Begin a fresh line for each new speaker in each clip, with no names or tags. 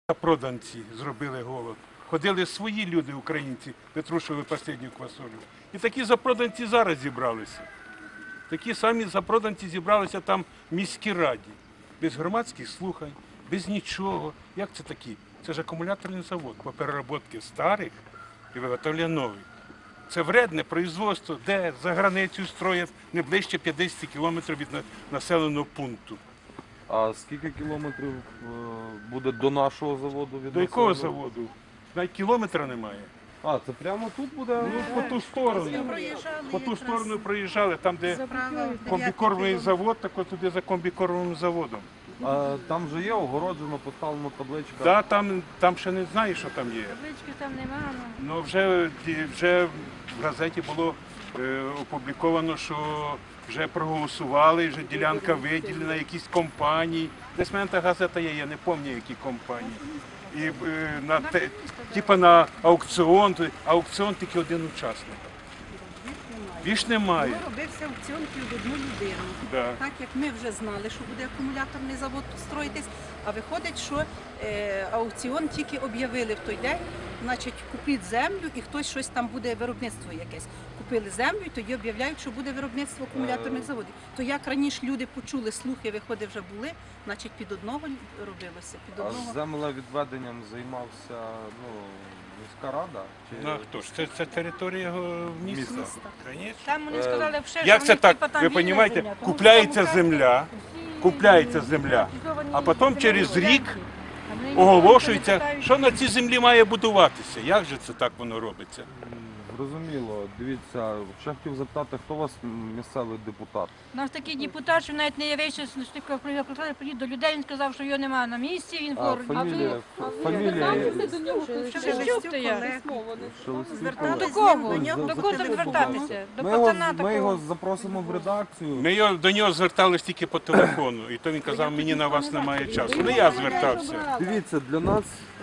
Запроданці зробили голод. Ходили свої люди, українці, витрушували останню квасолю. І такі запроданці зараз зібралися. Такі самі запроданці зібралися там в міській раді. Без громадських слухань, без нічого. Як це такі? Це ж акумуляторний завод по переробці старих і виготовлення нових. Це вредне производство, де за границю строять не ближче 50 кілометрів від населеного пункту.
А скільки кілометрів буде до нашого заводу?
До якого заводу? Навіть кілометра немає.
А, це прямо тут буде?
Ну, по ту сторону. По ту сторону проїжджали, там, де комбікормовий завод, так от туди за комбікормовим заводом.
А там вже є огороджено, поставлено табличка?
Так, там ще не знаю, що там є.
Таблички там немає.
Ну, вже в газеті було опубліковано, що вже проголосували, вже ділянка виділена, якісь компанії. Десь в мене та газета є, я не пам'ятаю, які компанії. І типа на аукціон, аукціон тільки один учасник. Більш немає.
Робився аукціон під одну людину.
Да.
Так як ми вже знали, що буде акумуляторний завод строїтись, а виходить, що аукціон тільки об'явили в той день, значить купіть землю і хтось щось там буде, виробництво якесь. Купили землю і тоді об'являють, що буде виробництво акумуляторних заводів. То як раніше люди почули, слухи, виходи вже були, значить під одного робилося.
А землевідведенням займався міська рада? Чи...
Ну, а хто ж? Це територія міста.
Там вони сказали, що
Як це так? Ви розумієте, купляється земля, а потім через рік оголошується, що на цій землі має будуватися. Як же це так воно робиться?
Зрозуміло. Дивіться, ще хотів запитати, хто у вас місцевий депутат?
У нас такий депутат, що навіть не явився, приїхав до людей, він сказав, що його немає на місці, він хворий.
Фамілія?
Шелестюк то я.
Шелестюк.
До кого? До кого звертатися? До пацана
Ми його
такого.
запросимо в редакцію.
Ми до нього зверталися тільки по телефону, і то він казав, мені на вас немає часу. Не я звертався.
Дивіться, для нас,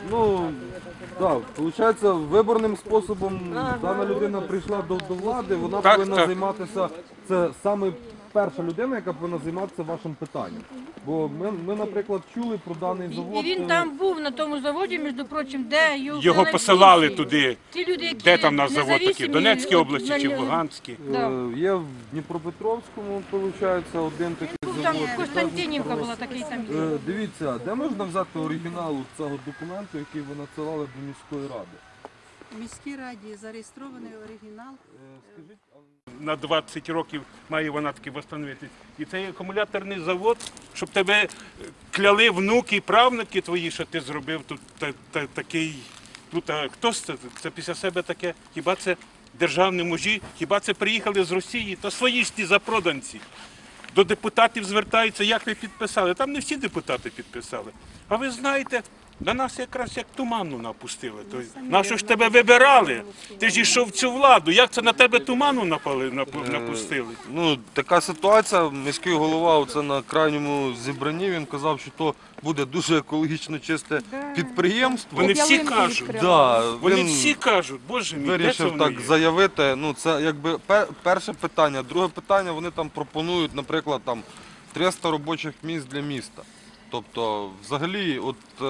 виходить, виборним способом дана людина прийшла до влади, вона повинна займатися, це саме перша людина, яка повинна займатися вашим питанням. Бо ми, наприклад, чули про даний завод.
І він там був на тому заводі, між прочим, де
Його посилали туди.
Ті люди, які
Де там наш завод такий? В
независимі,
Донецькій області чи в
на-
Луганській?
Є в Дніпропетровському, виходить, один такий
Був там
завод.
Костянтинівка була такий там.
Дивіться, де можна взяти оригінал цього документу, який ви надсилали до міської ради?
В міській раді зареєстрований оригінал.
Скажіть,
На 20 років має вона таки встановитись. І цей акумуляторний завод, щоб тебе кляли внуки і правнуки твої, що ти зробив тут такий. Тут, а хто це після себе таке? Хіба це державні мужі? Хіба це приїхали з Росії? То свої ж ті запроданці. До депутатів звертаються, як ви підписали. Там не всі депутати підписали. А ви знаєте, на нас якраз як туману напустили. Нащо ж тебе вибирали? Ти ж йшов в цю владу. Як це на тебе туману напустили?
така ситуація, міський голова оце на крайньому зібранні, він казав, що то буде дуже екологічно чисте підприємство.
Вони всі кажуть. Вони всі кажуть, боже мій, де це
Вирішив
воно
так
є?
заявити. Це якби перше питання. Друге питання, вони там пропонують, наприклад, 300 робочих місць для міста. Тобто, взагалі,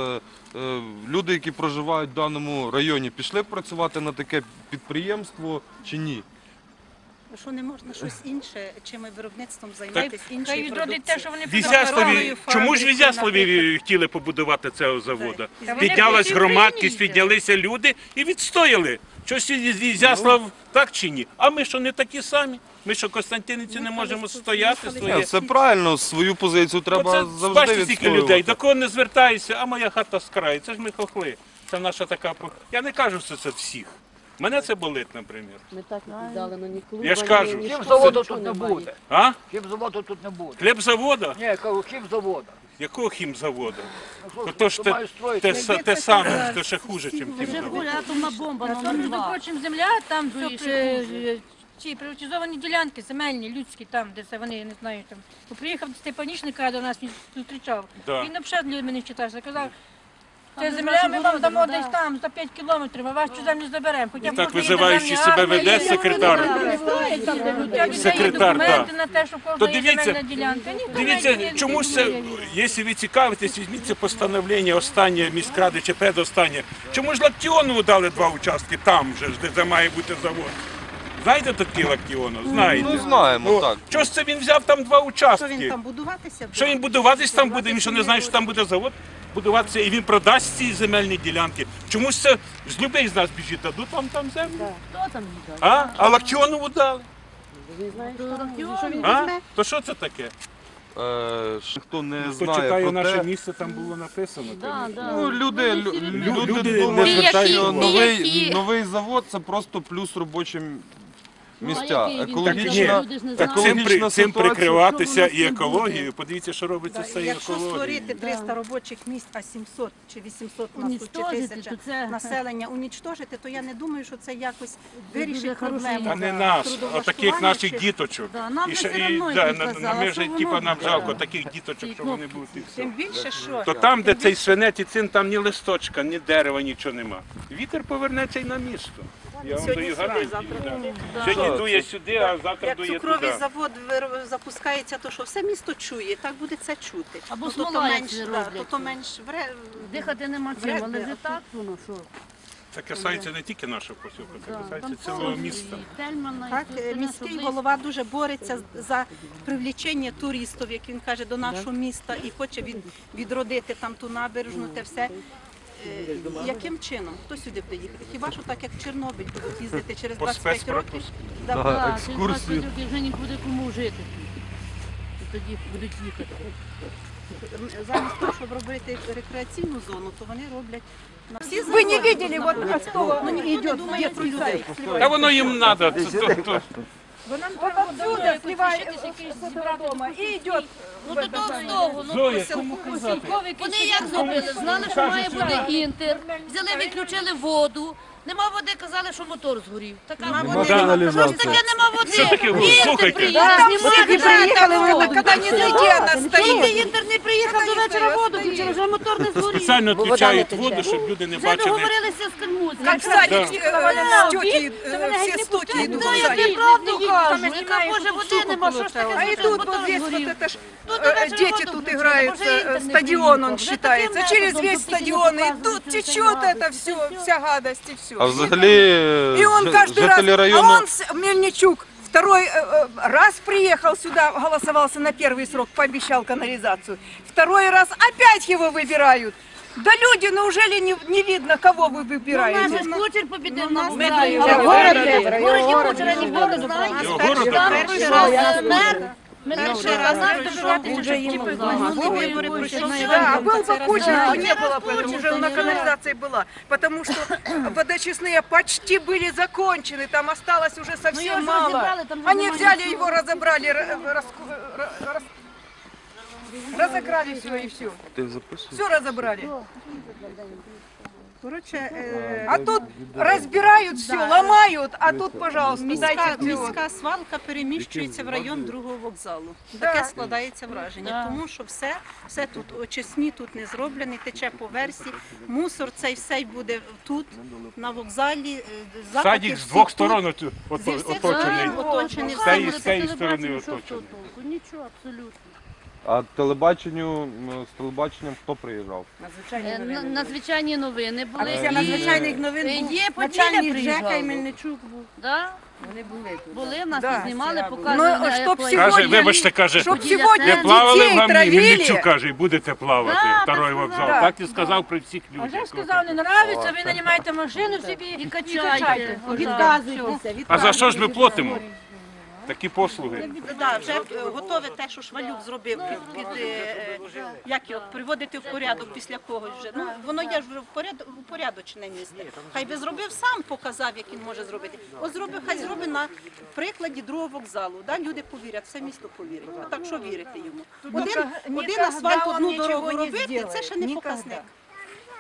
люди, які проживають в даному районі, пішли працювати на таке підприємство чи ні?
Що не можна щось інше, чим виробництвом
Хай
займатися, іншою
відродить те, що вони
В чому ж в Ізяславі хотіли побудувати цього заводу? Піднялась громадськість, піднялися люди і відстояли. Щось Ізяслав так чи ні? А ми що не такі самі? Ми що Костянтинівці не можемо стояти своє?
Це правильно, свою позицію треба завжди
бачите, стільки людей,
відстоювати.
до кого не звертаюся, а моя хата з краю. Це ж ми хохли. Це наша така... Я не кажу, що це всіх. Мене це болить, наприклад.
Ми так віддалено, ні клуба,
Я ж кажу,
ні
Хімзаводу тут не буде.
А?
Хімзаводу тут не буде.
Хлібзавода?
Ні, кажу, хімзаводу.
Якого хімзаводу?
Ну,
То ж
мають строїти.
те саме, то ще хуже, ніж
Вже
хімзавод.
буде атомна бомба, там, між прочим, земля, там ці приватизовані ділянки, земельні, людські, там, де це вони, я не знаю, там. Приїхав Степанішник до нас, він зустрічав.
Да.
Він взагалі для мене читався, казав, Це земля ми вам дамо десь там, за 5 кілометрів, а вашу землю заберемо. Хоча б
Так
кожної
визиваючи
державній
себе
армії
веде
є
секретар. Секретар,
документи
так.
на те, що
То
кожна є
дивіться,
земельна ділянка. Ні,
Дивіться,
документів
чомусь
не
це,
є.
якщо ви цікавитесь, візьміть це постановлення останнє міськради чи предостаннє. Чому ж Лактіонову дали 2 участки там же, де має бути завод? Знаєте такий Лактіонов? Знаєте.
Ну знаємо, так.
Чого ж це він взяв там 2
Що він
участки?
там будуватися буде?
Що він будуватись там буде? Він що не знає, що там буде завод будуватися, і він продасть ці земельні ділянки. Чомусь це з людей з нас біжить, дадуть там землю.
Хто там їде?
А Лактіонову дали. А?
візьме?
То що це таке?
Хто не
Хто
знає
читає
про
наше
те,
місце, там було написано.
ну, люди
люди
думають,
не
що
звертають
новий завод це просто плюс робочим місця.
який він?
Екологічна,
Люди ж не
Так
знають.
цим
ситуація.
прикриватися і
Що воно
екологією. Подивіться, що робиться з цією
Якщо
екологією.
створити 300 робочих місць, а 700 чи 800 у нас тут чи
Унічтожити,
1000
то це-
населення унічтожити, то я не думаю, що це якось
дуже
вирішить
хороший
проблему.
А не нас, а таких
трудовлаштування
наших
чи-
діточок.
Да, нам
І
би
ще-
все
і,
одно,
да,
як
на-
казала,
ми
що
вже
воно
типа нам жалко
да.
таких діточок, що вони будуть і все.
Тим більше, що
То там, де цей свинець і цин, там ні листочка, ні дерева, нічого нема. Вітер повернеться й на місто. Я вам
Сьогодні
даю
сюди,
гарантію.
завтра
да. Сьогодні дує сюди, а завтра
як
дує
цукровий
туди.
завод запускається, то що все місто чує, так буде це чути.
Або
Ну, то
смола, як
менш,
це
да,
роблять.
то менш
Дихати нема чим,
Вряд
але
ли,
вже
а
так воно що.
Це касається не тільки нашого посілку, це
Там
касається цілого міста.
і Тельмана, і
Так,
все остальне,
міський
що
голова дуже бореться за привлічення туристів, як він каже, до нашого міста і хоче відродити там ту набережну, те все. Яким чином? Хто сюди буде їхати? Хіба що так, як в Чорнобиль будуть їздити через
По
25 років?
спецпропуску.
Да,
Да.
близько. Так,
екскурсію.
через 20 років вже нікуди кому жити. І тоді будуть їхати.
Замість того, щоб робити рекреаційну зону, то вони роблять на всі
Вы не
заводи.
видели, вот кто
Ну, ніхто не думає про людей.
Та воно їм треба.
вот отсюда сливает с этого дома и идет.
Ну то того з того, ну
Зоя, кому казати?
вони як зробили? Знали, що має бути інтер, взяли, відключили воду. Нема води, казали, що мотор згорів. Така води. Що ж таке нема води?
Що таке вода?
Інтер
Слухайте.
приїде, знімати
приїхали,
воду.
воно, коли не зайде, вона стоїть.
Коли інтер не приїхав до вечора воду, включили, вже мотор не згорів.
Спеціально відключають воду, щоб люди не
Вже
бачили.
договорилися з Кальмуцьким.
Как садик, с тетей,
вони
все с тетей идут
Ну,
в
я
садик.
тобі правду
Там
кажу,
я
яка
знімаю,
може
тут
води
сухо
нема, що ж таке
А и
зробив,
тут
мотор
вот здесь вот
згорів.
это ж
Тут до вечора
дети
воду
тут
включили,
играют,
може, інтер не
стадион
приїхав.
он
Вже
считается,
таким
через
методом,
весь
щоб тільки не
стадион, и
показувати,
тут
що це
течет
гадость,
это
і
все, вся гадость и все.
А взагалі
И он каждый раз,
жителі
а
району
он, Мельничук, второй раз приехал сюда, голосовался на первый срок, пообещал канализацию. Второй раз опять его выбирают. Да люди, неужели не видно, кого вы
У нас
выбираете?
же ж Кучер побідив на
нас
вокзалі.
не
А
було.
в городі Кучера ніхто не знає.
Його города
Там
немає.
перший раз мер.
Перший раз пройшов,
вже їм
минулі вибори пройшов.
Да, а был
Цей
бы
раз
Кучер,
не
то
було.
не было бы, это уже на канализации была. Потому что водочистные почти были закончены, там осталось уже
Ну,
совсем
его же
мало.
разобрали, там же
Они
нема
взяли
ничего.
его, разобрали, разыграли все и все.
ти записуєш?
Все разобрали.
Коротше,
А тут разбирают все, ломают, а тут, пожалуйста, дайте всего.
міська свалка переміщується в район другого вокзалу.
Да.
Таке складається враження,
Да.
тому що все тут очисні тут не зроблені, тече по версі. Мусор цей все буде тут, на вокзалі. Запахи
Садик з
всі
двох
тут.
сторон
Зі всіх
оточений.
сторон оточений.
З
Все
цієї-
буде
з цієї сторони
Телебачення, що
оточений.
з того толку? Нічого, абсолютно.
А з телебаченням хто приїжджав?
Надзвичайні новини були.
Після надзвичайних новин був
Є
начальник
Поділля
ЖЕКа і
приїжджав.
Мельничук був.
Да? Вони були тут. Були, нас
Да.
тут знімали,
Ну,
показували.
щоб
плані.
сьогодні-
Каже, вибачте, каже,
Чтоб
Поділля
сегодня
це-
ви плавали в
детей
гамні,
травили.
Мельничук каже, і будете плавати,
Да,
второй
так
вокзал.
сказав.
Так і сказав при всіх
А вже
людях.
сказав, не нравиться, ви нанімаєте машину собі
І
і
качайте.
відказуйтеся.
А за що ж ми платимо? Такі послуги.
Да, вже готове те, що Швалюк зробив як його приводити в порядок після когось вже. Ну воно є ж вже упорядочене місце. Хай би зробив сам, показав, як він може зробити. От зробив, хай зробить на прикладі другого вокзалу. Да, люди повірять, все місто повірить. А так що вірити йому? Один асфальт, одну дорогу робити, це ще не показник.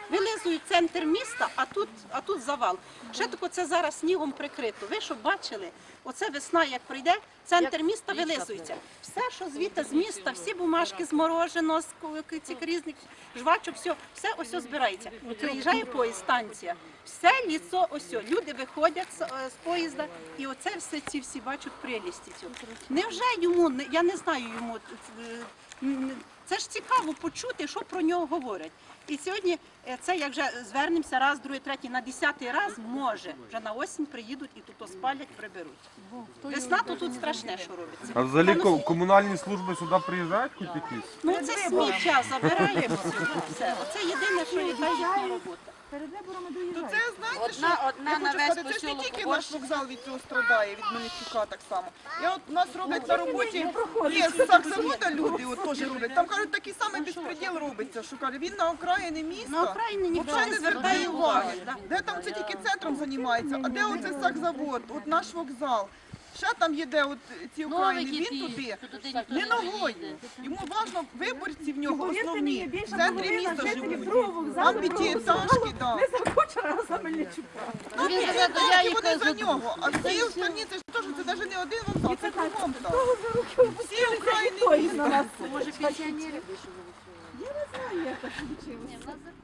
вилизують центр міста, а тут завал. Ще тако це зараз снігом прикрито. Ви що бачили? Оце весна, як прийде, центр міста вилизується. Все, що звідти з міста, всі бумажки з мороженого, з цих різних жвачок, все ось збирається. Приїжджає поїзд, станція, все ліцо ось. Люди виходять з поїзда, і оце все ці всі бачать прелісті цього. Невже йому, я не знаю йому, це ж цікаво почути, що про нього говорять. І сьогодні це, як вже звернемося раз, другий, третій, на 10-й раз, може, вже на осінь приїдуть і тут спалять, приберуть. Весна то тут страшне, що робиться.
А взагалі комунальні служби сюди приїжджають хоч якісь?
Ну це сміття забираємо все. Оце єдине, що яка їхня робота.
То це, знаєте, що я хочу сказати, це ж не тільки наш вокзал від цього страдає, від Мельничука так само. Я от, у нас роблять на роботі, є з саксавода люди, от теж роблять. Там, кажуть, такий самий безпреділ робиться, що каже, він на окраїни міста,
На окраїни ніхто
взагалі
не
не звертає
звертає
уваги.
уваги.
Де там це тільки центром займається, а де оце сакзавод, от наш вокзал. Ще там є де от ці окраїни, він туди, не ногою. Йому важливо, виборці в нього основні, в центрі міста живуть. Там п'ятиэтажки, так.
Не захоче за Мельничука.
Ну,
Він
ці
казав,
етажки,
я
вони
їх
за нього, а всі останні, це ж теж, це навіть не один вокзал, це кругом там. Всі окраїни міста.
Може, пенсіонери?
Я не знаю, як так вийшло.